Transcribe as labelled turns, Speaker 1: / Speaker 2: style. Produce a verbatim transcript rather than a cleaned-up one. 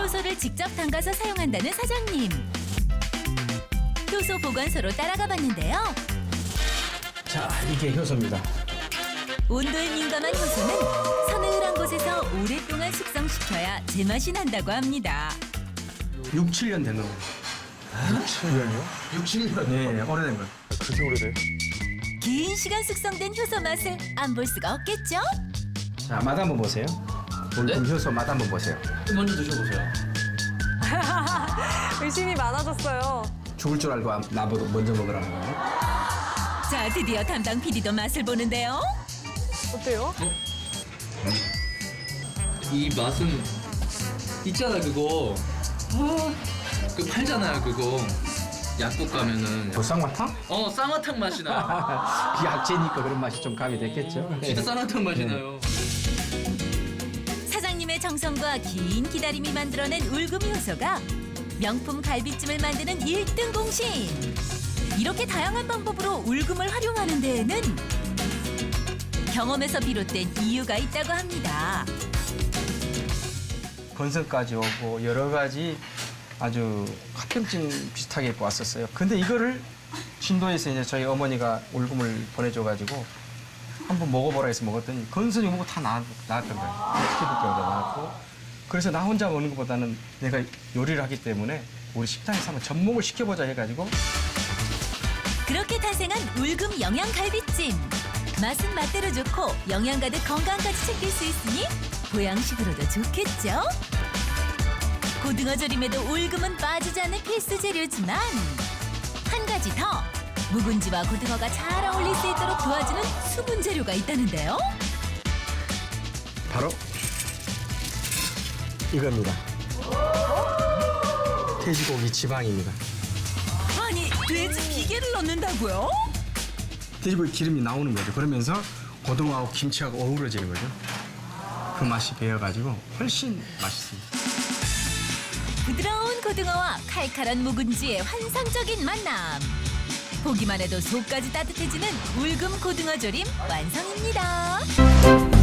Speaker 1: 효소를 직접 담가서 사용한다는 사장님. 효소 보관소로 따라가 봤는데요.
Speaker 2: 자, 이게 효소입니다.
Speaker 1: 온도에 민감한 효소는 서늘한 곳에서 오랫동안 숙성시켜야 제맛이 난다고 합니다.
Speaker 2: 육, 칠 년 된 거예요.
Speaker 3: 육, 칠 년이요?
Speaker 2: 육, 칠 년? 네, 오래된 거예요.
Speaker 3: 그렇게 오래돼?
Speaker 1: 긴 시간 숙성된 효소 맛을 안 볼 수가 없겠죠?
Speaker 2: 자, 맛 한번 보세요. 올금 효소 맛 한번 보세요.
Speaker 4: 먼저 드셔보세요.
Speaker 5: 의심이 많아졌어요.
Speaker 2: 죽을 줄 알고 나보고 먼저 먹으라는 거예요.
Speaker 1: 자, 드디어 담당 피디도 맛을 보는데요.
Speaker 5: 어때요?
Speaker 4: 이 맛은 있잖아 그거. 아, 그 팔잖아요 그거. 약국 가면은.
Speaker 2: 그 쌍화탕?
Speaker 4: 어 쌍화탕 맛이 나.
Speaker 2: 그 약재니까 그런 맛이 좀 가미됐겠죠.
Speaker 4: 진짜 쌍화탕 맛이
Speaker 2: 네.
Speaker 4: 나요.
Speaker 1: 사장님의 정성과 긴 기다림이 만들어낸 울금 효소가 명품 갈비찜을 만드는 일 등 공신. 이렇게 다양한 방법으로 울금을 활용하는 데에는 경험에서 비롯된 이유가 있다고 합니다.
Speaker 2: 건선까지 오고 여러 가지 아주 합병증 비슷하게 입고 왔었어요. 근데 이거를 신도에서 이제 저희 어머니가 울금을 보내줘가지고 한번 먹어보라 해서 먹었더니 건선이 뭐고 다 나았, 나았던 거예요. 피부병도 나았고. 그래서 나 혼자 먹는 것보다는 내가 요리를 하기 때문에 우리 식당에서 한번 접목을 시켜보자 해가지고
Speaker 1: 그렇게 탄생한 울금 영양 갈비찜. 맛은 맛대로 좋고 영양 가득 건강까지 챙길 수 있으니 보양식으로도 좋겠죠? 고등어 조림에도 울금은 빠지지 않는 필수 재료지만 한 가지 더 묵은지와 고등어가 잘 어울릴 수 있도록 도와주는 수분 재료가 있다는데요.
Speaker 2: 바로 이겁니다. 돼지고기 지방입니다.
Speaker 1: 아니, 돼지 비계를 넣는다고요?
Speaker 2: 돼지고기 기름이 나오는 거죠. 그러면서 고등어하고 김치하고 어우러지는 거죠. 그 맛이 배어가지고 훨씬 맛있습니다.
Speaker 1: 부드러운 고등어와 칼칼한 묵은지의 환상적인 만남. 보기만 해도 속까지 따뜻해지는 울금 고등어 조림 완성입니다.